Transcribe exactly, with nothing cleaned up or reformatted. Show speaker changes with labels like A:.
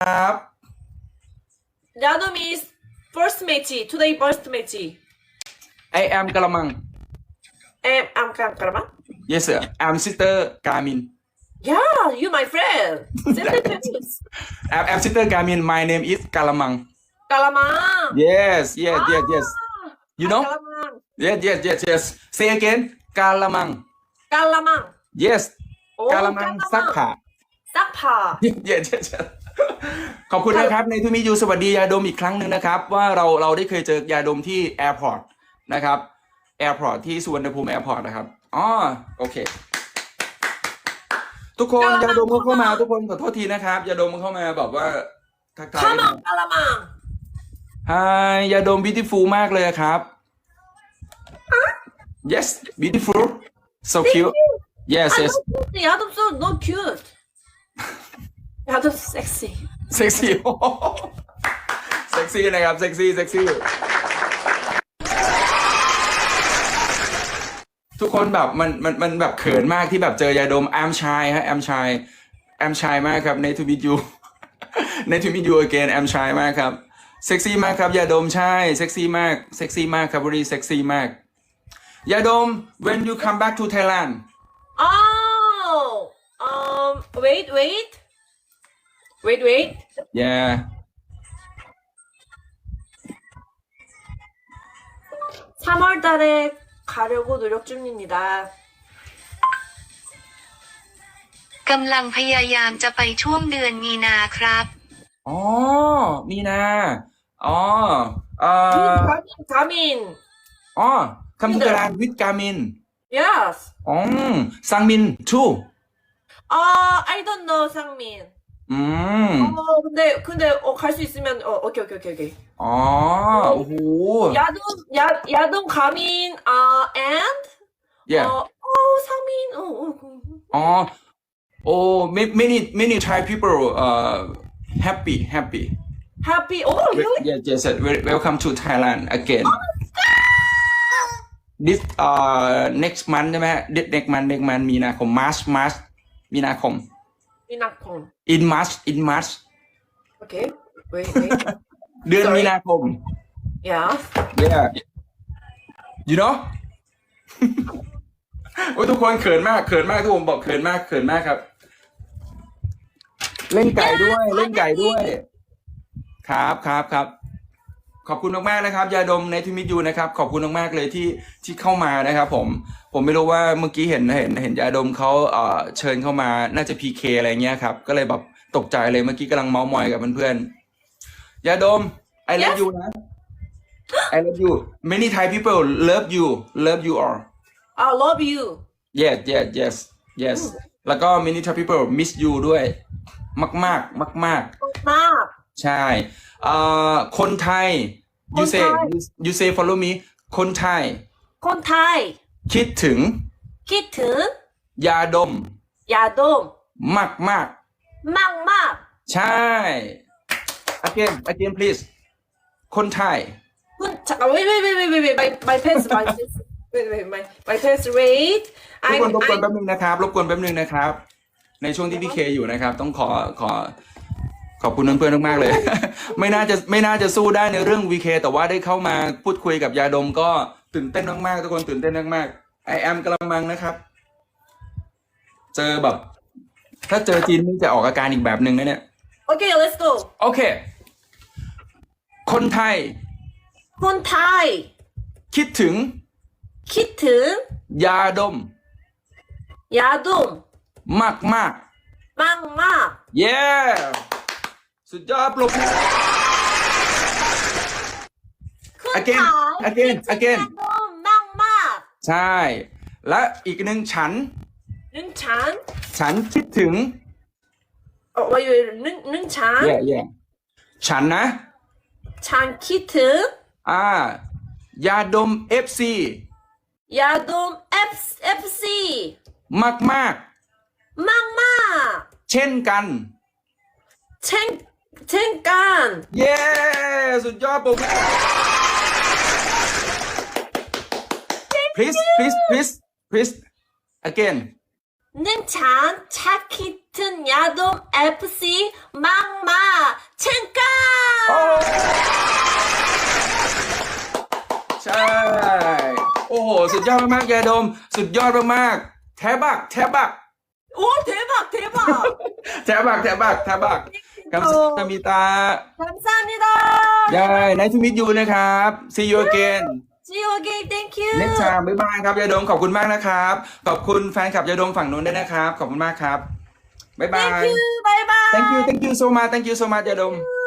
A: ครับ
B: Yadom is first match today first match
A: I am กะละมัง
B: am I'm Karama
A: yes sir I'm sister กามิน
B: yeah you my friend send the pictures
A: I'm I'm sister กามิน my name is กะละมัง
B: Kalamang
A: yes yes yes yes you know
B: Kalamang
A: yes yes yes yes say again กะละมัง
B: Kalamang
A: yes
B: โอ้
A: กะละมังซักผ้า
B: ซักผ้า
A: yes yes yes ขอบคุณนะครับในทุมิยูสวัสดียาดมอีกครั้งหนึ่งนะครับว่าเราเราได้เคยเจอยาดมที่แอร์พอร์ตนะครับแอร์พอร์ตที่สุวรรณภูมิแอร์พอร์ตนะครับอ๋อโอเคทุกคนยาดมเข้ามาทุกคนขอโทษทีนะครับยาดมเข้ามาแบบว่าทักทาย
B: Come on Kalamang
A: Hi ยาดม beautiful มากเลยครับ yes beautiful so cute yes yes
B: Yadom so no cute Yadom sexy
A: sexy เซ็กซี่นะครับเซ็กซี่เซ็กซี่ทุกคนแบบมันมันมันแบบเขินมากที่แบบเจอยาดมแอมชายฮะแอมชายแอมชายมากครับในทูมิยูในทูมิยู again แอมชายมากครับเซ็กซี่มากครับยาดมใช่เซ็กซี่มากเซ็กซี่มากครับบริเซ็กซี่มากยาดม when you come back to Thailand
B: oh um wait wait wait wait
A: yeah
B: 삼월 달에 가려고 노력 중입니다.
C: กำลังพยายามจะไปช่วงเดือนมีนาครับ
A: อ๋อมีนาอ๋อเอ่อ
B: 가민, 가민.
A: อ๋อ come to Thailand with Garmin
B: Yes.
A: อ๋อซังมิน too
B: 아, I don't know 상민.
A: อืม
B: 어, 근데 근데 어, 갈 수 있으면 어, 오케이 오케이 오케이 오케이.
A: อ๋อโอ้โห
B: 야동 야 야동 가민 아 and
A: yeah
B: 어, 어 상민 어, 어. 그.
A: อ๋อโอ้ many many Thai people uh happy happy
B: happy. Oh, really?
A: yes yes yes welcome to Thailand again this uh next month ใช่ไหม next month next month มีนาคม March March มีนาคม
B: 미나콘.
A: in March in March
B: Okay. Wait wait.
A: เดือน
B: Sorry.
A: มีนาคม
B: Yeah.
A: yeah you know โอ้ทุกคนเขินมากเขินมากทุกคนบอกเขินมากเขินมากครับ เล่นไก่ด้วยเล่นไก่ด้วย ครับครับครับขอบคุณมากๆนะครับยาดมในที่มิตยูนะครับขอบคุณมากๆเลยที่ที่เข้ามานะครับผมผมไม่รู้ว่าเมื่อกี้เห็นเห็นเห็นยาดมเขาเอ่อเชิญเข้ามาน่าจะ พี เค อะไรเงี้ยครับก็เลยแบบตกใจเลยเมื่อกี้กำลังเมาส์มอยกับเพื่อนๆยาดม I love you นะ I love you many Thai people love you love you all
B: I love you.
A: yes yes yes yes แล้วก็ many Thai people miss you ด้วยมากๆมากๆ
B: 나.
A: ใช่เอ่อคนไทย you say
B: คนไทย
A: you, you say follow me คนไทย
B: 콘타이.
A: คิดถึง
B: 키튼.
A: ยาดม
B: 야돔.
A: มากมาก
B: 막막.
A: ใช่ again again please คนไทย
B: 군 잠깐 wait wait wait wait wait wait my my pants my pants wait wait my my pants wait
A: รบ
B: I'm
A: กวนรบกวน
B: I'm
A: แป๊บนึงนะครับรบกวนแป๊บนึงนะครับ ในช่วงที่พี่เคอยู่นะครับ ต้องขอขอขอบคุณเพื่อนๆมากๆเลย ไม่น่าจะไม่น่าจะสู้ได้ในเรื่อง วี เค แต่ว่าได้เข้ามาพูดคุยกับยาดมก็ตื่นเต้นมากๆทุกคนตื่นเต้นมากๆ I am กระมังนะครับ เจอแบบ ถ้าเจอจีนนี่จะออกอาการอีกแบบหนึ่งนะเนี่ย
B: okay let's go
A: โอเค คนไทย
B: 콘타이
A: คิดถึง
B: 키튼
A: ยาดม
B: 야돔
A: มากมาก
B: 막막
A: เย้ สุดยอดปรบมือ again
B: 콘타이
A: again
B: 키튼
A: again
B: 야돔 막막
A: ใช่ และอีกหนึ่งฉัน
B: 능찬
A: ฉันคิดถึง
B: 어 wait wait 능 능찬
A: เย่เย่ฉันนะ
B: 찬 키튼
A: อ่ายาดม เอฟ ซี
B: 야돔 FC
A: มากมาก
B: 막막
A: เช่นกัน
B: 챙 챙깐
A: เย้ สุดยอดปรบมือ please please please please again
B: 능찬 차키튼 야돔 에프씨 막막
A: ดยอดมากๆยาดม สุดยอดมากๆแทบักแทบัก
B: 오 대박 대박.
A: แทบักแทบักแทบักกัมซามิตา
B: 감사합니다.
A: ยาย nice to meet you นะครับ see you again
B: See you again. Thank you.
A: next time บ๊ายบายครับยาดมขอบคุณมากนะครับขอบคุณแฟนคลับยาดมฝั่งนู้นด้วยนะครับขอบคุณมากครับบ๊ายบาย
B: Thank you. Bye bye.
A: thank you thank you so much thank you so much ยาดม